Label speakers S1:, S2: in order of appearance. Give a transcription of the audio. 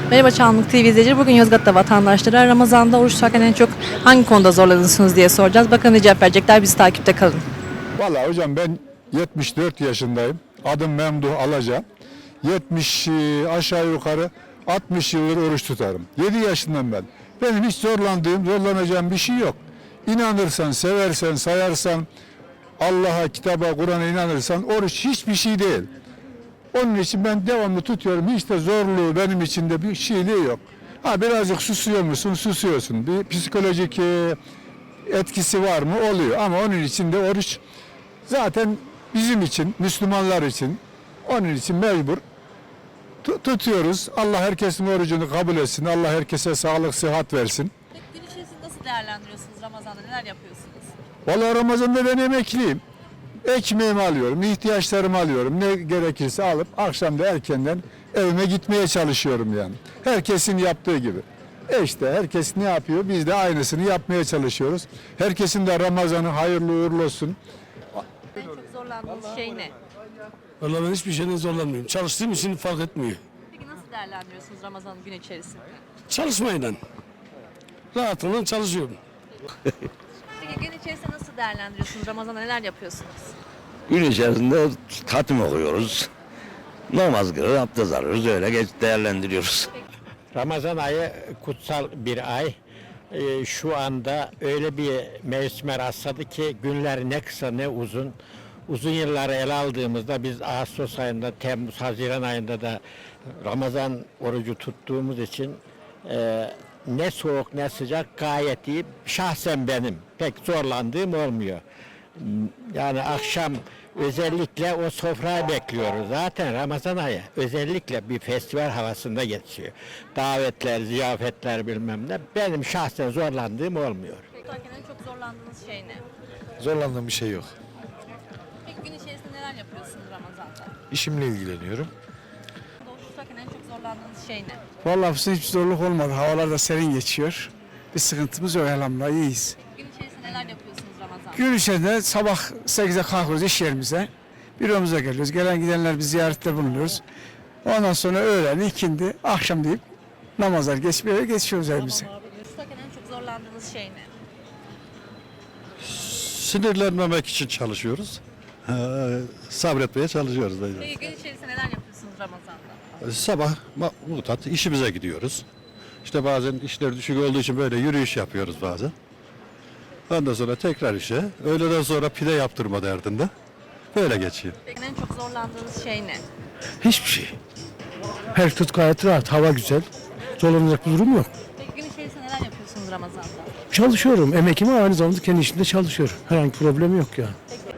S1: Merhaba Çanlık TV izleyicileri. Bugün Yozgat'ta vatandaşlara Ramazan'da oruç tutarken en çok hangi konuda zorlanırsınız diye soracağız. Bakalım ne cevap verecekler. Bizi takipte kalın.
S2: Vallahi hocam ben 74 yaşındayım. Adım Memduh Alaca. 70 aşağı yukarı 60 yıldır oruç tutarım. 7 yaşından ben. Benim hiç zorlanacağım bir şey yok. İnanırsan, seversen, sayarsan, Allah'a, kitaba, Kur'an'a inanırsan oruç hiçbir şey değil. Onun için ben devamlı tutuyorum. Hiç de zorluğu benim için de bir şeyliği yok. Ha birazcık susuyor musun? Susuyorsun. Bir psikolojik etkisi var mı? Oluyor. Ama onun için de oruç zaten bizim için, Müslümanlar için, onun için mecbur tutuyoruz. Allah herkesin orucunu kabul etsin. Allah herkese sağlık, sıhhat versin.
S1: Peki gün içerisinde nasıl değerlendiriyorsunuz Ramazan'da? Neler yapıyorsunuz?
S2: Vallahi Ramazan'da ben emekliyim. Ekmeğimi alıyorum, ihtiyaçlarımı alıyorum. Ne gerekirse alıp akşam da erkenden evime gitmeye çalışıyorum yani. Herkesin yaptığı gibi. İşte herkes ne yapıyor? Biz de aynısını yapmaya çalışıyoruz. Herkesin de Ramazan'ı hayırlı uğurlu olsun.
S1: En çok zorlandığınız şey ne?
S3: Vallahi ben hiçbir şeyden zorlanmıyorum. Çalıştığım için fark etmiyor.
S1: Peki nasıl değerlendiriyorsunuz Ramazan'ın gün içerisinde?
S3: Çalışmayla. Rahatlıkla çalışıyorum.
S1: Peki gün içerisinde nasıl değerlendiriyorsunuz? Ramazan'da neler yapıyorsunuz?
S4: Gün içerisinde hatim okuyoruz. Namaz kılıyoruz, abdest alıyoruz. Öyle değerlendiriyoruz.
S5: Ramazan ayı kutsal bir ay. Şu anda öyle bir mevsime rastladı ki günler ne kısa ne uzun. Uzun yılları ele aldığımızda biz Ağustos ayında, Temmuz, Haziran ayında da Ramazan orucu tuttuğumuz için ne soğuk ne sıcak gayet iyi. Şahsen benim pek zorlandığım olmuyor. Yani akşam özellikle o sofrayı bekliyoruz. Zaten Ramazan ayı özellikle bir festival havasında geçiyor. Davetler, ziyafetler bilmem ne. Benim şahsen zorlandığım olmuyor.
S1: Peki en çok zorlandığınız şey ne?
S6: Zorlandığım bir şey yok.
S1: Peki gün içerisinde neler yapıyorsunuz Ramazan'da?
S6: İşimle ilgileniyorum.
S1: Oruç tutarken en çok zorlandığınız şey ne?
S7: Vallahi hiçbir zorluk olmadı. Havalar da serin geçiyor. Bir sıkıntımız yok elhamdülillah, iyiyiz.
S1: Gün içerisinde neler yapıyorsunuz Ramazan'da?
S7: Gün içerisinde sabah 8'de kalkıyoruz iş yerimize. Büromuza geliyoruz. Gelen gidenler bir ziyarette bulunuyoruz. Ondan sonra öğlen, ikindi, akşam deyip namazlar geçip geçiyoruz evimize.
S1: Oruç tutarken en çok zorlandığınız şey ne?
S6: Sinirlenmemek için çalışıyoruz. Sabretmeye çalışıyoruz.
S1: Peki gün içerisinde neler yapıyorsunuz Ramazan'da?
S6: Sabah mutat işimize gidiyoruz. İşte bazen işler düşük olduğu için böyle yürüyüş yapıyoruz bazen. Ondan sonra tekrar işe. Öğleden sonra pide yaptırma derdinde. Böyle geçiyor.
S1: Peki en çok zorlandığınız şey ne?
S8: Hiçbir şey. Her tut gayet rahat, hava güzel. Zorlanacak bir durum yok.
S1: Peki gün içerisinde neler yapıyorsunuz Ramazan'da?
S8: Çalışıyorum, emekim ama aynı zamanda kendi işimde çalışıyorum. Herhangi bir problem yok yani.
S1: Peki